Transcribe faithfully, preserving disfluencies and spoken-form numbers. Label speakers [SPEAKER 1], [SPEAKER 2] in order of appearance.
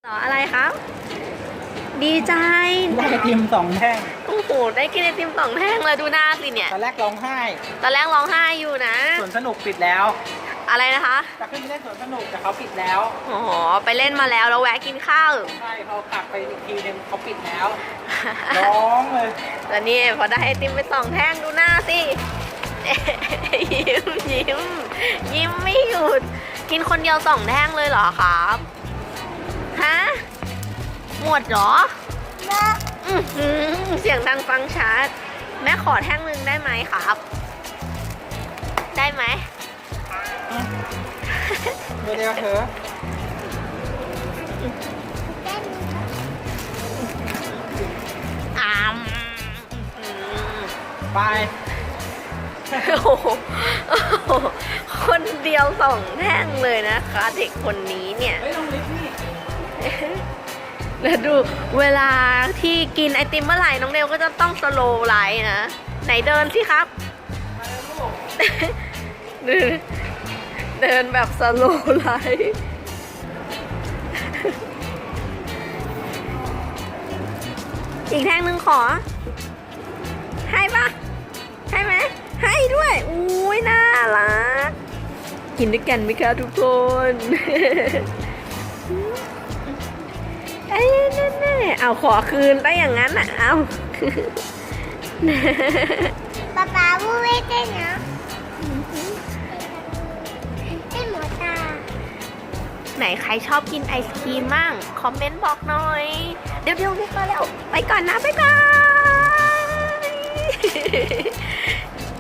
[SPEAKER 1] ต่ออะไรครับ ดีใจ
[SPEAKER 2] ได้ไอติมสองแท่ง
[SPEAKER 1] โอ้โห ได้กินไอติมสองแท่งเลยดูหน้าสิเนี่ย
[SPEAKER 2] ตอนแรกร้องไห้
[SPEAKER 1] ตอนแรกร้องไห้อยู่นะ
[SPEAKER 2] สวนสนุกปิดแล้ว
[SPEAKER 1] อะไรนะคะ
[SPEAKER 2] จะขึ้นไปเล่นสวนสนุกแต่เขาปิดแล้ว
[SPEAKER 1] อ๋อ ไปเล่นมาแล้วแล้วแวะกินข้าว
[SPEAKER 2] ใช่พอกลับไปอีกทีนึงเขาปิดแล้ว ร้องเลย
[SPEAKER 1] แล้วนี่พอได้ไอติมไปสองแท่งดูหน้าสิ ยิ้มยิ้มยิ้มไม่หยุด กินคนเดียวสองแท่งเลยเหรอครับ ฮะ หมดเหรออื้อหือเสียงดังฟังชัด แม่ขอแท่งหนึ่งได้ไหมครับ ได้ไหม
[SPEAKER 2] เดี๋ยวเถอะ
[SPEAKER 1] อามอื้อ
[SPEAKER 2] ไป
[SPEAKER 1] หือโอ้โหโอ้โหคนเดียวสองแท่งเลยนะคะ เด็กคนนี้เนี่ย
[SPEAKER 2] เฮ้ยลงลิฟต์นี่
[SPEAKER 1] แล้วดูเวลาที่กินไอติมเมื่อไหร่น้องเดวก็จะต้องสโลว์ไลท์นะ ไหนเดินสิครับ
[SPEAKER 2] มาแล้วลูก
[SPEAKER 1] เดินเดินแบบสโลว์ไลท์อีกแท่งหนึ่งขอ ให้ปะให้ไหมให้ด้วย อุ้ยน่ารัก กินด้วยกันไหมคะทุกคน เอ้ยแน่ๆเอาขอคืนได้อย่างนั้นอ่ะ เอา
[SPEAKER 3] ป๊าป๊าพูดไม่ได้นะได้หมดตา
[SPEAKER 1] ไหนใครชอบกินไอศครีมมั่งคอมเมนต์บอกหน่อย เดี๋ยวเดี๋ยวรีบมาแล้ว ไปก่อนนะ บ๊ายบาย